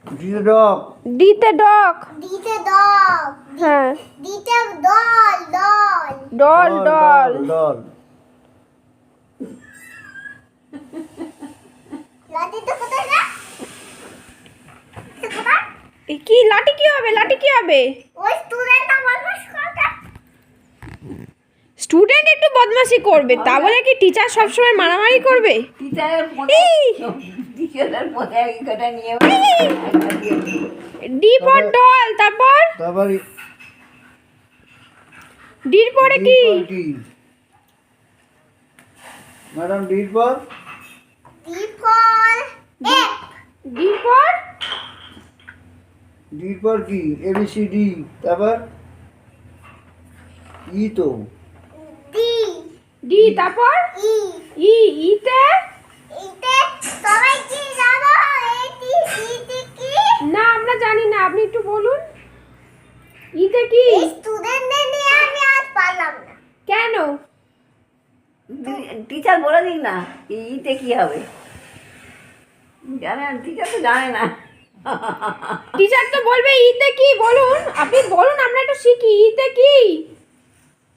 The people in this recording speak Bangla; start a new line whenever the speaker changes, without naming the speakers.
ডিতে ডগ।
ডিতে ডগ।
ডিতে ডগ।
হ্যাঁ।
ডিতে doll doll.
Doll doll.
Doll.
লাঠিটা কোথায় রে? কোথায়?
কি লাঠি কি হবে? লাঠি কি হবে?
ওই স্টুডেন্ট আমার কথা।
স্টুডেন্ট একটু বদমাশি করবে, তা বলে কি টিচার সবসময় মারামারি করবে?
টিচারের পথে এক কটা নিয়ে
ডি ফর ডল, তারপর
তারপর
ডির পরে কি?
ম্যাডাম ডির পর
D for F.
D for
ডির পর কি? ABCD। তারপর ই তো
ডি।
ডি, তারপর
ই।
ই। ইতে
ইতে সবাই কি জানো? এটি ইতে কি?
না, আমরা জানি না, আপনি একটু বলুন। ইতে কি?
এই স্টুডেন্টদের নিয়ে আমি আজ পারলাম না।
কেন?
টিচার বলে দিক না ইতে কি হবে, জানে না, টিচার তো জানে না।
টিচার তো বলবে ইতে কি, বলুন, আপনি বলুন, আমরা একটু শিখি। ইতে কি?